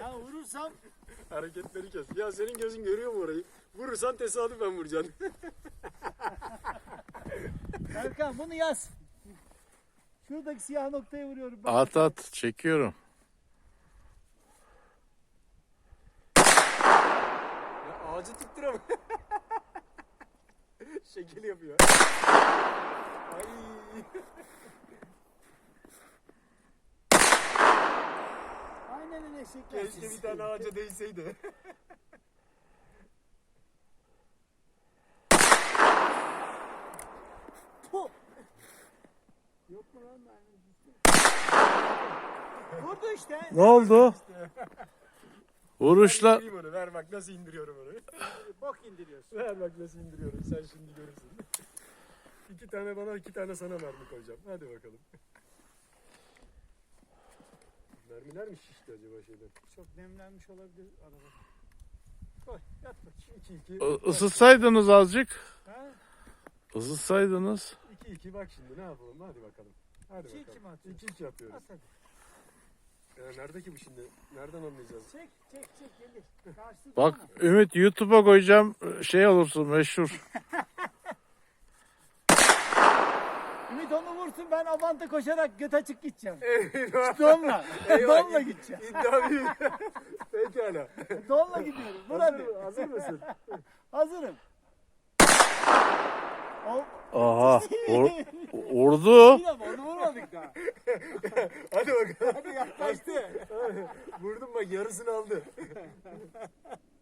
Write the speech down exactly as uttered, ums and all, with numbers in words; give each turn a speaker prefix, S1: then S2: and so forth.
S1: Ya vurursam
S2: Hareketleri kes. Ya senin gözün görüyor mu orayı? Vurursan tesadüfen vuracaksın.
S1: Erkan bunu yaz. Şuradaki siyah noktaya vuruyorum. Bak.
S3: At at çekiyorum.
S2: Ya ağacı tutturamıyor. Şekil yapıyor. Ay.
S1: Aynen öyle şekil.
S2: Keşke bir tane ağaca değseydi.
S1: Puh! Yok mu lan mermi? Vurdu işte.
S3: Ne oldu? Vuruşla
S2: İndireyim onu. Ver bak nasıl indiriyorum onu.
S1: Bok indiriyorsun.
S2: Ver bak nasıl indiriyorum. Sen şimdi görürsün. İki tane bana, iki tane sana mermi koyacağım. Hadi bakalım. Mermiler mi şişti acaba şeyden?
S1: Çok nemlenmiş olabilir araba. Koy yat bakayım.
S2: iki iki.
S3: ı- ısıtsaydınız azıcık.
S1: Ha?
S3: Isıtsaydınız.
S2: iki iki bak şimdi ne yapalım hadi bakalım. Hadi
S1: İki iki
S2: bakalım.
S1: mi atıyoruz?
S2: iki iki yapıyoruz.
S1: At hadi.
S2: Ya nerede ki bu şimdi? Nereden anlayacağız?
S1: Çek çek çek gelir. Karşısı
S3: Bak
S1: durma.
S3: Ümit YouTube'a koyacağım, şey olursun meşhur.
S1: Ümit onu vursun ben Avant'a koşarak göt açık gideceğim.
S2: Eyvah.
S1: Donla.
S2: Eyvah.
S1: Donla gideceğim.
S2: İddia büyük. Pekala.
S1: Donla gidiyorum. Vur
S2: Hazır,
S1: hadi.
S2: mı- hazır mısın?
S1: Hazırım. Hop.
S3: Aha. Vur- vurdu.
S1: Bir ama onu vurmadık daha.
S2: Hadi bakalım.
S1: Hadi yaklaştı.
S2: Vurdum bak yarısını aldı.